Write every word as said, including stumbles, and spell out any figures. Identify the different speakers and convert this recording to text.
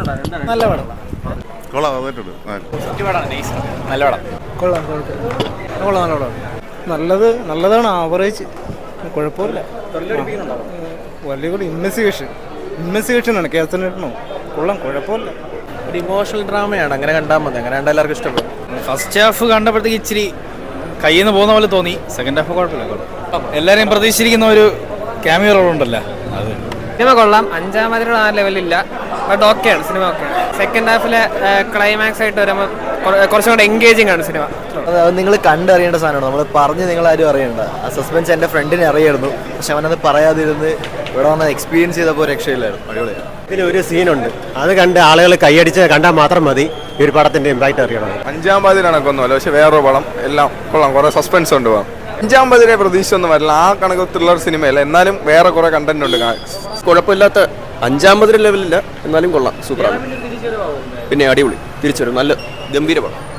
Speaker 1: നല്ല പടം.
Speaker 2: കൊള്ളാം, നന്നായിട്ടുണ്ട്.
Speaker 1: നല്ല പടം. കൊള്ളാം കൊള്ളാം നല്ല പടം. നല്ലത് നല്ലതാണ്. ആവറേജ്, കുഴപ്പമില്ല. വലിയ കൂടി ഇൻവെസ്റ്റിഗേഷൻ ഇൻവെസ്റ്റിഗേഷനാണ് കേസനോ. കൊള്ളാം, കുഴപ്പമില്ല.
Speaker 3: ഒരു ഇമോഷണൽ ഡ്രാമയാണ്. അങ്ങനെ കണ്ടാൽ മതി. അങ്ങനെ കണ്ടാൽ എല്ലാവർക്കും ഇഷ്ടപ്പെടും.
Speaker 4: ഫസ്റ്റ് ഹാഫ് കണ്ടപ്പോഴത്തേക്ക് ഇച്ചിരി കയ്യിൽ നിന്ന് പോകുന്ന പോലെ തോന്നി. സെക്കൻഡ് ഹാഫ് കുഴപ്പമില്ല. എല്ലാവരെയും പ്രതീക്ഷിച്ചിരിക്കുന്ന ഒരു ക്യാമിയോ റോൾ ഉണ്ടല്ലോ, അത്
Speaker 5: സിനിമ കൊള്ളാം. അഞ്ചാം അതിലുള്ള ആ ലെവലില്ല, ബട്ട് ഓക്കെയാണ് സിനിമ. ഓക്കെയാണ്. സെക്കൻഡ് ഹാഫിലെ ക്ലൈമാക്സ് ആയിട്ട് വരുമ്പോൾ കുറച്ചും കൂടെ എൻഗേജിങ് ആണ് സിനിമ.
Speaker 3: അത് നിങ്ങൾ കണ്ടറിയേണ്ട സാധനമാണ്. നമ്മൾ പറഞ്ഞ് നിങ്ങളാരും അറിയണ്ട. ആ സസ്പെൻസ് എൻ്റെ ഫ്രണ്ടിനെ അറിയായിരുന്നു, പക്ഷെ അവനത് പറയാതിരുന്ന് ഇവിടെ വന്ന് എക്സ്പീരിയൻസ് ചെയ്തപ്പോൾ രക്ഷയില്ലായിരുന്നു. അടിപൊളിയാണ്.
Speaker 6: ഇതിൽ ഒരു സീനുണ്ട്, അത് കണ്ട് ആളുകൾ കൈയടിച്ച് കണ്ടാൽ മാത്രം മതി ഈ ഒരു പടത്തിന്റെ ഇമ്പാക്ട് അറിയണം.
Speaker 2: അഞ്ചാം പതിരാണ് കൊന്നുമല്ല, പക്ഷെ വേറൊരു പടം എല്ലാം കൊള്ളാം. കുറെ സസ്പെൻസ് ഉണ്ട്. പോകാം. അഞ്ചാം പതിരെ പ്രതീക്ഷ ഒന്നും വരില്ല. ആ കണക്ക് ത്രില്ലർ സിനിമയല്ല, എന്നാലും വേറെ കുറെ കണ്ടന്റ് ഉണ്ട്.
Speaker 7: കുഴപ്പമില്ലാത്ത അഞ്ചാം പതിര ലെവലില്ല, എന്നാലും കൊള്ളാം. സൂപ്പറാണ്. പിന്നെ അടിപൊളി തിരിച്ചുവരും. നല്ല ഗംഭീര പടം.